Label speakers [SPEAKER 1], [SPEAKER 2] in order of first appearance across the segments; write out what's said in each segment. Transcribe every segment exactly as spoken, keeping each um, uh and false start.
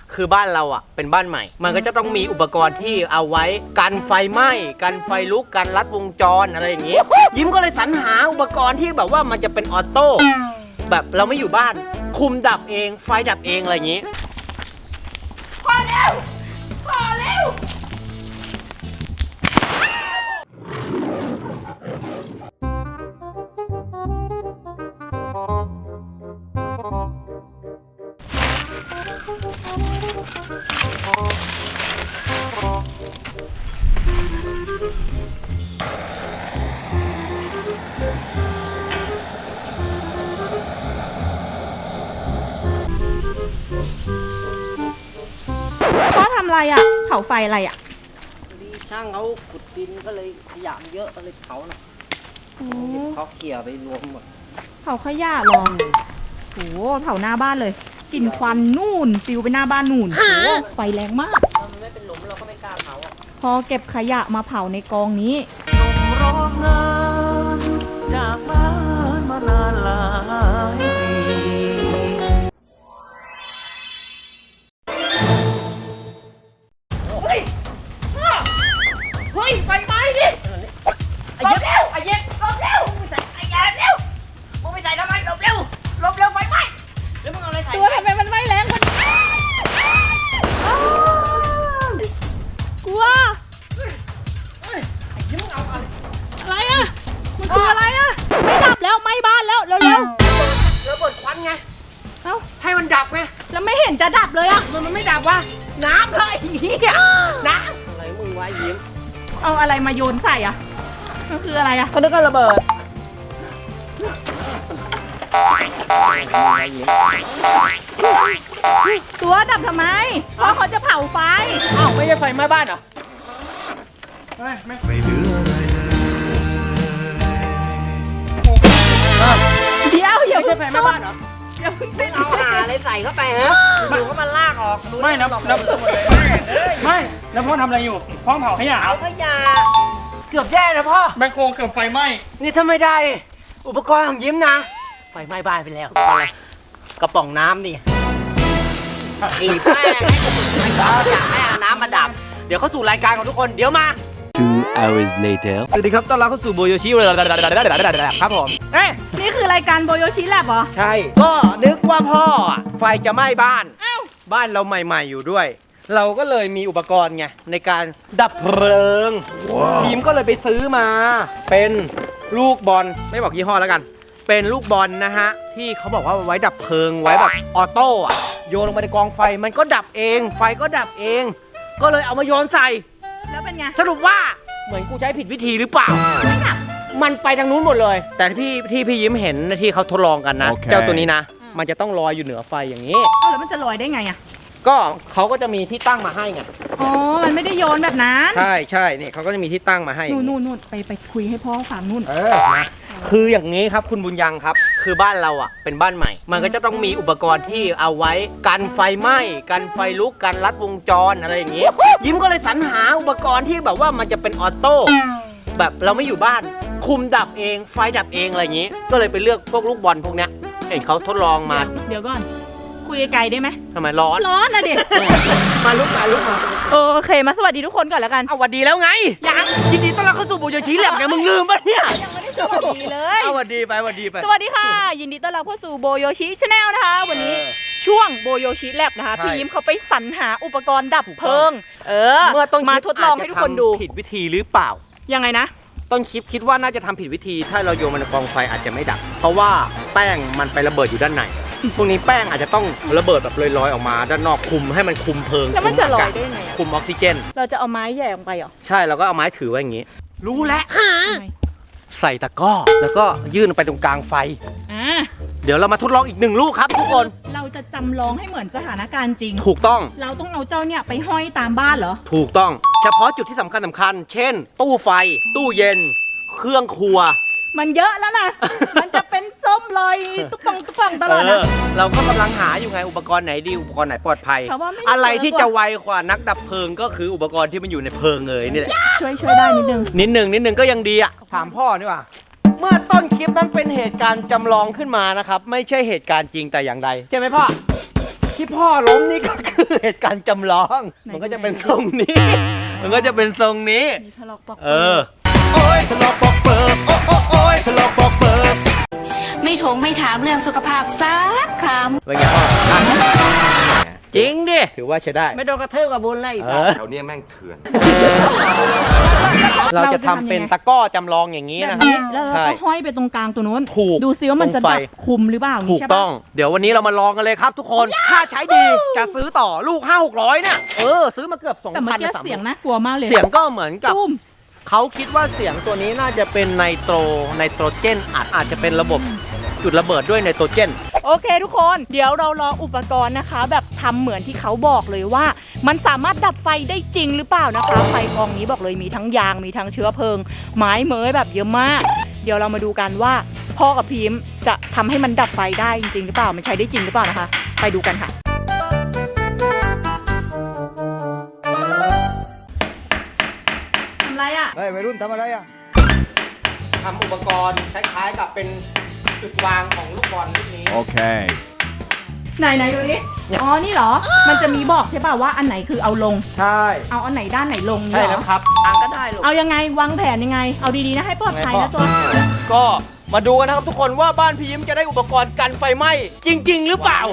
[SPEAKER 1] คือบ้านเราอ่ะเป็นบ้านใหม่มันก็จะต้องมีอุปกรณ์ที่เอาไว้กันไฟไหม้กันไฟลุกกันลัดวงจรอะไรอย่างงี้ยิ้มก็เลยสรรหาอุปกรณ์ที่แบบว่ามันจะเป็นออโต้แบบเราไม่อยู่บ้านคุมดับเองไฟดับเองอะไรอย่างงี้พอแล้วพอแล้ว
[SPEAKER 2] พ่อทำอะไรอ่ะเผาไฟอะไรอ่ะ
[SPEAKER 1] ดีช่างเขาขุดดินก็เลยขยะเยอะก็เลยเผาหน่อยเขาเขี่ยไปรวมหมด
[SPEAKER 2] เผาขยะหรอโหเผาหน้าบ้านเลยกลิ่นควันนู่นฟิวไปหน้าบ้านนู่นโหไฟแรงมาก
[SPEAKER 1] มันไม่เป็นหลุมเราก็ไม่กล้าเผา
[SPEAKER 2] พอเก็บขยะมาเผาในกองนี้
[SPEAKER 1] ร้องงานจากบ้านมานานหลายปีเฮ้ยเฮ้ยไฟไหม้ดิไอ้เย็บไอ้เย็บลบเร็วมึงใส่ไอ้ยาเร็วมึงไปใส่ทำไมลบเร็วลบเร็วไฟไหม้แล้วมึงเอาอะไรใส่
[SPEAKER 2] ตัวทำไมมันไหม้แรงคนกลัวอะไรอ่ะมันคืออะไรอ่ะไม่ดับแล้วไหม้บ้านแล้วเร็วๆ
[SPEAKER 1] ระเบิดควันไง
[SPEAKER 2] เอ้า
[SPEAKER 1] ให้มันดับไง
[SPEAKER 2] แล้วไม่เห็นจะดับเลยอ่ะ
[SPEAKER 1] มันมันไม่ดับวะน้ำเลยเหี้ยน้ำอะไรมึงวะยิ้ม
[SPEAKER 2] เอาอะไรมาโยนใส่อ่ะมันคืออะไรอ่ะ
[SPEAKER 1] เขาเรียกว่าระเบิด
[SPEAKER 2] ตัวดับทำไมเพราะเขาจะเผาไฟ
[SPEAKER 1] อ้าวไม่ใช่ไฟไหม้บ้านเหรอ
[SPEAKER 3] ไม่ไม่เหลืออะไรเลย
[SPEAKER 2] เดี๋ยวอย่า
[SPEAKER 1] ไม่ใช่ไฟไหม้บ้านเหรอ
[SPEAKER 2] อย่าเพิ่งไป
[SPEAKER 1] เอาหาอะไรใส่เข้าไปฮะดูก็มันลากออก
[SPEAKER 3] ไม่นะแล้วไม่แล้วพ่อทำอะไรอยู่พ่อเผาขยะ
[SPEAKER 1] เผาขยะเกือบแย่นะพ่อ
[SPEAKER 3] แบคโคเกือบไฟไหม้
[SPEAKER 1] นี่ถ้าไม่ได้อุปกรณ์ของยิ้มนะไฟไหม้บ้านไปแล้วอะไรกระป๋องน้ำนี่ขีดแป้งให้เขาอยากให้เอาน้ำมาดับเดี๋ยวเข้าสู่รายการของทุกคนเดี๋ยวมา
[SPEAKER 4] two hours later
[SPEAKER 1] สวัสดีครับต้อนรับเข้าสู่โบโยชิครับผมเอ๊ะ
[SPEAKER 2] นี่คือรายการโบโยชิแลบเหรอ
[SPEAKER 1] ใช่ก็นึกว่าพ่อไฟจะไหม้บ้าน
[SPEAKER 2] อ้าว
[SPEAKER 1] บ้านเราใหม่ๆอยู่ด้วยเราก็เลยมีอุปกรณ์ไงในการดับเพลิงทีมก็เลยไปซื้อมาเป็นลูกบอลไม่บอกยี่ห้อแล้วกันเป็นลูกบอลนะฮะที่เขาบอกว่าไว้ดับเพลิงไว้แบบออโต้อะโยนลงไปในกองไฟมันก็ดับเองไฟก็ดับเองก็เลยเอามาโยนใส่
[SPEAKER 2] แล้วเป็นไง
[SPEAKER 1] สรุปว่าเหมือนกูใช้ผิดวิธีหรือเปล่า
[SPEAKER 2] ไม่ดับ
[SPEAKER 1] มันไปทางนู้นหมดเลยแต่ที่ที่พี่ยิ้มเห็นที่เขาทดลองกันนะ okay. เจ้าตัวนี้นะมันจะต้องลอยอยู่เหนือไฟอย่างนี้
[SPEAKER 2] เอ้าแล้วมันจะลอยได้ไงอะ
[SPEAKER 1] ก็เขาก็จะมีที่ตั้งมาให้ไง
[SPEAKER 2] อ๋อมันไม่ได้โยนแบบนั้น
[SPEAKER 1] ใช่ใช่นี่เขาก็จะมีที่ตั้งมาให้
[SPEAKER 2] นู่นนู่นนู่นไปไปคุยให้พ่อฟังนู่น
[SPEAKER 1] เออคืออย่างนี้ครับคุณบุญยังครับคือบ้านเราอ่ะเป็นบ้านใหม่มันก็จะต้องมีอุปกรณ์ที่เอาไว้กันไฟไหม้กันไฟลุกกันลัดวงจรอะไรอย่างงี้ยิ้มก็เลยสรรหาอุปกรณ์ที่แบบว่ามันจะเป็นออโต้แบบเราไม่อยู่บ้านคุมดับเองไฟดับเองอะไรอย่างงี้ก็เลยไปเลือกพวกลูกบอลพวกเนี้ยเห็นเขาทดลองมา
[SPEAKER 2] เดี๋ยวก่อนคุยไกลได้ไหม
[SPEAKER 1] ทำไมร้อน
[SPEAKER 2] ร้อนนะดิ
[SPEAKER 1] มาลุกมาลุกมา
[SPEAKER 2] โอเคมาสวัสดีทุกคนก่อนแล้วกัน
[SPEAKER 1] เอาสวัสดีแล้วไง
[SPEAKER 2] ยัง
[SPEAKER 1] ยินดีต้อนรับเข้าสู่โบโยชิแลบไงมึงลืมปะเนี่ย
[SPEAKER 2] ยังไม่ได้สวัสดีเลย
[SPEAKER 1] เอาสวัสดีไปสวัสดีไป
[SPEAKER 2] สวัสดีค่ะยินดีต้อนรับเข้าสู่โบโยชิชาแนลนะคะวันนี้ช่วงโบโยชิแลบนะคะพี่ยิ้มเขาไปสรรหาอุปกรณ์ดับเพลิงเออ
[SPEAKER 1] เมื่อต้น
[SPEAKER 2] มาทดลองให้ทุกคนดู
[SPEAKER 1] ผิดวิธีหรือเปล่า
[SPEAKER 2] ยังไงนะ
[SPEAKER 1] ต้นคลิปคิดว่าน่าจะทำผิดวิธีถ้าเราโยนมันในกองไฟอาจจะไม่ดับเพราะว่าแป้งมันไประเบิดอยู่ด้านในพวกนี้แป้งอาจจะต้องระเบิดแบบลอยๆออกมาด้านนอกคุมให้มันคุมเพลิง
[SPEAKER 2] แล้วมันจะลอยได้ไง
[SPEAKER 1] คุมออกซิเจน
[SPEAKER 2] เราจะเอาไม้แย่ลงไปเหรอ
[SPEAKER 1] ใช่เราก็เอาไม้ถือไว้อย่างนี้รู้แล้วใส่ตะกร้อแล้วก็ยื่นไปตรงกลางไฟ
[SPEAKER 2] อ่า
[SPEAKER 1] เดี๋ยวเรามาทดลองอีกหนึ่งลูกครับทุกคน
[SPEAKER 2] เราจะจำลองให้เหมือนสถานการณ์จริง
[SPEAKER 1] ถูกต้อง
[SPEAKER 2] เราต้องเอาเจ้าเนี่ยไปห้อยตามบ้านเหรอ
[SPEAKER 1] ถูกต้องเฉพาะจุดที่สำคัญสำคัญเช่นตู้ไฟตู้เย็นเครื่องครัว
[SPEAKER 2] มันเยอะแล้วนะ มันจะเป็นส้มลอยตุ๊บป่องตุ๊บป่องตลอดนะ
[SPEAKER 1] เราก็กำลังหาอยู่ไงอุปกรณ์ไหนดีอุปกรณ์ไหนปลอดภัยอะไรที่จะไวกว่านักดับเพลิงก็คืออุปกรณ์ที่มันอยู่ในเพลิงเลยนี่แหละ
[SPEAKER 2] ช่วยช่วยได้นิดนึง
[SPEAKER 1] นิดนึงนิดนึงก็ยังดีอ่ะถามพ่อนี่ว่าเมื่อต้นคลิปนั้นเป็นเหตุการณ์จำลองขึ้นมานะครับไม่ใช่เหตุการณ์จริงแต่อย่างใดใช่ไหมพ่อที่พ่อล้มนี่ก็คือเหตุการณ์จำลอง
[SPEAKER 2] ไหน
[SPEAKER 1] มันก็จะเป็นทรงนี้ มันก็จะเป็นทรงนี้
[SPEAKER 2] มีทะเลาะปอก
[SPEAKER 1] เออ
[SPEAKER 5] โอ้ยทะเลาะปอกเปิบโอ้โอ้โอ้ยทะเลาะปอกเปิบ
[SPEAKER 6] ไม่ถงไม่ถามเรื่องสุขภาพสักคำ
[SPEAKER 1] เป็นไงพ่ออ่ะจริงดิ ถือว่าใช้ได้
[SPEAKER 7] ไม่โดนกระเทือกกับบุญเลย
[SPEAKER 1] เออ
[SPEAKER 5] แถวเนี้ยแม่งเถื่อน
[SPEAKER 1] เราจะทำเป็นตะกร้อจำลองอย่างนี้
[SPEAKER 2] แบบ
[SPEAKER 1] นะครับ
[SPEAKER 2] นี้แล้วเรา
[SPEAKER 1] ใช่
[SPEAKER 2] ก็ห้อยไปตรงกลางตัวนู้น
[SPEAKER 1] ถูก
[SPEAKER 2] ดูซิว่ามันจะ
[SPEAKER 1] ตรงไฟ
[SPEAKER 2] ดับคุมหรือเปล่า
[SPEAKER 1] ถูก
[SPEAKER 2] ใช่
[SPEAKER 1] ต้
[SPEAKER 2] ปะ
[SPEAKER 1] อง เดี๋ยววันนี้เรามาลองกันเลยครับทุกคน ถ้าใช้ดีจะซื้อต่อลูกห้าหกร้อยเนี่ย เออ ซื้อมาเกือบสอง
[SPEAKER 2] แต่เมื่อ
[SPEAKER 1] พัน
[SPEAKER 2] กี้
[SPEAKER 1] สาม
[SPEAKER 2] เสียงน่ากลัวมากเลย
[SPEAKER 1] เสียงก็เหมือนกับ
[SPEAKER 2] ตุ้ม
[SPEAKER 1] เขาคิดว่าเสียงตัวนี้น่าจะเป็นไนโตรไนโตรเจนอัดอาจจะเป็นระบบจุดระเบิดด้วยไนโตรเจน
[SPEAKER 2] โอเคทุกคน เดี๋ยวเราลองอุปกรณ์นะคะ แบบทำเหมือนที่เขาบอกเลยว่า มันสามารถดับไฟได้จริงหรือเปล่านะคะ ไฟกองนี้บอกเลยมีทั้งยางมีทั้งเชื้อเพลิง ไม้เมยแบบเยอะมาก เดี๋ยวเรามาดูกันว่าพ่อกับพิมพ์จะทำให้มันดับไฟได้จริงๆหรือเปล่ามันใช้ได้จริงหรือเปล่านะคะ ไปดูกันค่ะทำไรอ่ะ
[SPEAKER 5] เฮ้ยวัยรุ่นทำอะไรอ่ะ
[SPEAKER 1] ทำอุปกรณ์คล้ายๆกับเป็นจุดวางของลูกบอลลูกนี้
[SPEAKER 4] Okay.
[SPEAKER 2] ไหนไหนดูดิ
[SPEAKER 1] เนี่ย
[SPEAKER 2] อ๋อ นี่เหรอ มันจะมีบอกใช่ป่ะว่าอันไหนคือเอาลง
[SPEAKER 1] ใช่
[SPEAKER 2] เอาอันไหนด้านไหนลง
[SPEAKER 1] ใช่
[SPEAKER 2] เนี่ยเหร
[SPEAKER 1] แล้
[SPEAKER 2] อ
[SPEAKER 1] วครับ
[SPEAKER 7] ทางก็ได้ลูก
[SPEAKER 2] เอายังไงวางแผนยังไง เอาดีๆนะให้ปลอดภัยนะตัว
[SPEAKER 1] ก็มาดูกันนะครับทุกคนว่าบ้านพี่ยิ้มจะได้อุปกรณ์กันไฟไหม้จริง ๆ หรือเปล่า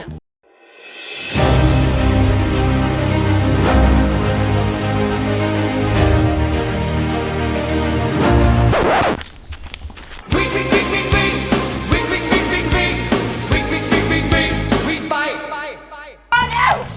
[SPEAKER 5] วิ่งวิ่งวิ่งวิ่งวิ่งวิ่งวิ่งวิ่งวิ่งวิ่งวิ่งวิ่งวิ่งวิ่งวิ่งวิ่งไปไปไป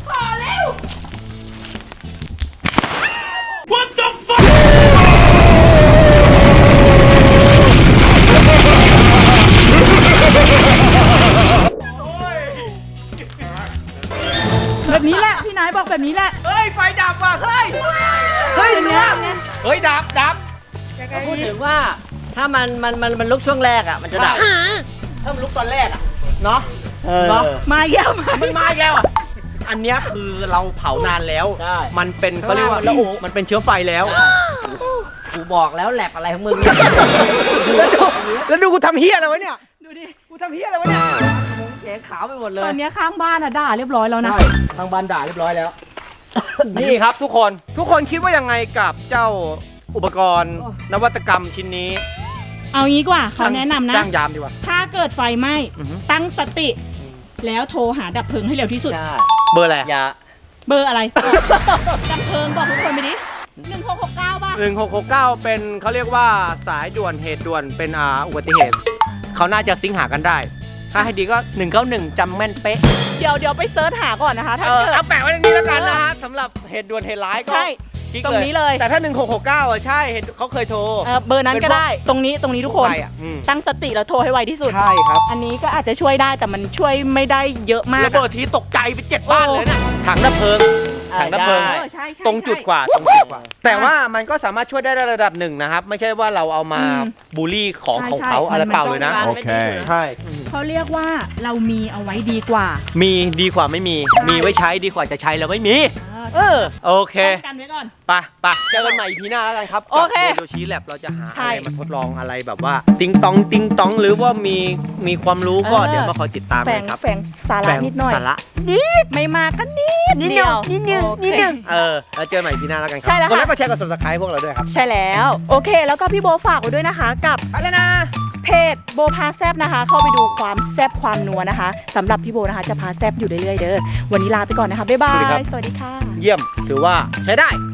[SPEAKER 2] แบบนี้แหละ พี่นายบอกแบบนี้แหละ
[SPEAKER 1] เฮ้ย ไฟดับว่ะ เฮ้ย เฮ้ย
[SPEAKER 2] เป็นไง
[SPEAKER 1] ดับ
[SPEAKER 2] เป็นไง
[SPEAKER 1] เฮ้ย ดับดับ
[SPEAKER 7] พูดถึงว่าถ้ามันมันมันมันลุกช่วงแรกอ่ะมันจะดับ
[SPEAKER 1] ถ้ามันลุกตอนแรกอะเนาะ
[SPEAKER 7] เออ
[SPEAKER 1] เนาะ
[SPEAKER 2] มาอีกแล้วมา
[SPEAKER 1] มันมาอีกแล้วอะอันเนี้ยคือเราเผานานแล้ว
[SPEAKER 7] ใช่
[SPEAKER 1] มันเป็นเขาเรียกว่า
[SPEAKER 7] แล้วโอ้
[SPEAKER 1] มันเป็นเชื้อไฟแล้ว
[SPEAKER 7] กูบอกแล้วแลบอะไรของมึงเนี่ย
[SPEAKER 1] แล้วดูกูทำเฮียอะไรวะเนี่ย
[SPEAKER 2] ดูดิ
[SPEAKER 1] กูทำเฮียอะไรวะเนี่ย
[SPEAKER 7] มึงเสียงขาวไปหมดเล
[SPEAKER 2] ตอย นเนี้ยข้างบ้านอะด่าเรียบร้อยแล้วนะ
[SPEAKER 1] ใช่ทางบ้านด่าเรียบร้อยแล้ว นี่ครับทุกคน ทุกคนคิดว่ายังไงกับเจ้าอุปกรณ์นวัตกรรมชิ้นนี้
[SPEAKER 2] เอางี้ดีกว่าเขาแนะนำนะ
[SPEAKER 1] จ้างยามดีกว่า
[SPEAKER 2] ถ้าเกิดไฟไหม้
[SPEAKER 1] อือฮึ
[SPEAKER 2] ตั้งสติ แล้วโทรหาดับเพลิงให้เร็วที่สุด
[SPEAKER 7] ใช่
[SPEAKER 1] เบอร์อะไร
[SPEAKER 7] อย่า
[SPEAKER 2] เบอร์อะไร ดับเพลิงบอกทุกคนไปดิหนึ่งหกหกเก้าป่ะ
[SPEAKER 1] หนึ่งหกหกเก้าเป็นเขาเรียกว่าสายด่วนเหตุด่วนเป็นอ่าอุบัติเหตุ เขาน่าจะซิงค์หากันได้ ถ้าให้ดีก็หนึ่งเก้าหนึ่งจำแม่นเป๊ะ
[SPEAKER 2] เดี๋ยวเดี๋ยวไปเซิร์ชหาก่อนนะคะ ถ้า
[SPEAKER 1] เออ
[SPEAKER 2] เกิด
[SPEAKER 1] เอาแปะไว้ตรงนี้แล้วกันนะฮะสำหรับเหตุด่วนเหตุร้ายก็
[SPEAKER 2] ใช่
[SPEAKER 1] คลิก
[SPEAKER 2] ตรงนี้เลย
[SPEAKER 1] แต่ถ้าหนึ่งหกหกเก้าอ่ะใช่เห็นเขาเคยโทร
[SPEAKER 2] เออเบอร์นั้นก็ได้ ตรงนี้ตรงนี้ทุกคน
[SPEAKER 1] ไปอ่ะอืม
[SPEAKER 2] ตั้งสติแล้วโทรให้ไวที่สุด
[SPEAKER 1] ใช่ครับ
[SPEAKER 2] อันนี้ก็อาจจะช่วยได้แต่มันช่วยไม่ได้เยอะมาก
[SPEAKER 1] ระเบิดทีตกใจไปเจ็ดบ้านเลยนะถังดับเพลิง
[SPEAKER 7] อ่า
[SPEAKER 1] ถังดับเพลิง
[SPEAKER 2] เอ
[SPEAKER 7] ใช่
[SPEAKER 2] อใช่ใช่
[SPEAKER 1] ตรงจุดกว่าตรงจุดกว่า แต่ว่ามันก็สามารถช่วยได้ระดับหนึ่งนะครับ ไม่ใช่ว่าเราเอามา
[SPEAKER 2] อืม
[SPEAKER 1] บูลลี่ของ
[SPEAKER 2] ใช่
[SPEAKER 1] ของ
[SPEAKER 2] ใช่
[SPEAKER 1] เขาอะไร
[SPEAKER 2] มัน
[SPEAKER 1] เปล่าเลยนะ
[SPEAKER 7] มันไม่ดี
[SPEAKER 4] Okay
[SPEAKER 1] ใช่
[SPEAKER 2] เขาเรียกว่าเรามีเอาไว้ดีกว่า
[SPEAKER 1] มีดีกว่าไม่มี
[SPEAKER 2] ใช่
[SPEAKER 1] มีไว้ใช้ดีกว่าจะใช้แล้วไม่มี เออ โอเค
[SPEAKER 2] ป้องกันไว้ก่อน
[SPEAKER 1] ไปไปเจอกันใหม่อีพีหน้าแล้วกันครับ
[SPEAKER 2] โอเค
[SPEAKER 1] กับโดโยชิแลบเราจะหา
[SPEAKER 2] ใช่
[SPEAKER 1] อะไรมาทดลองอะไรแบบว่า ติงตองติงตองหรือว่ามีมีความรู้ก็
[SPEAKER 2] เออ
[SPEAKER 1] เดี๋ยวมาคอยติดตาม
[SPEAKER 2] แฝ
[SPEAKER 1] กั
[SPEAKER 2] ง
[SPEAKER 1] นครับ
[SPEAKER 2] แฝงสาระนิดหน่อย
[SPEAKER 1] สาระ
[SPEAKER 2] ไม่มากก็นิด
[SPEAKER 1] นิด
[SPEAKER 2] เดียว
[SPEAKER 1] นิดนึง
[SPEAKER 2] โอเค
[SPEAKER 1] นิดนึงเออแล้วเจอกันใหม่อีพีหน้าแล้วกันครั
[SPEAKER 2] ใช่แล้ว
[SPEAKER 1] คนแร
[SPEAKER 2] ค่ะ
[SPEAKER 1] กก็แชร์กับ subscribe พวกเราด้วยครับ
[SPEAKER 2] ใช่แล้ว โอเค แล้วก็พี่โบฝากไว้ด้วยนะคะ กับ
[SPEAKER 1] ไปแล้วนะ
[SPEAKER 2] เพจโบพาแซบนะคะ เข้าไปดูความแซบความนัวนะคะสำหรับพี่โบนะคะจะพาแซบอยู่เรื่อยๆเด้อวันนี้ลาไปก่อนนะคะบ๊ายบา
[SPEAKER 1] สวัสดีครับ
[SPEAKER 2] ยสวัสดีค่ะ
[SPEAKER 1] เยี่ยมถือว่าใช้ได้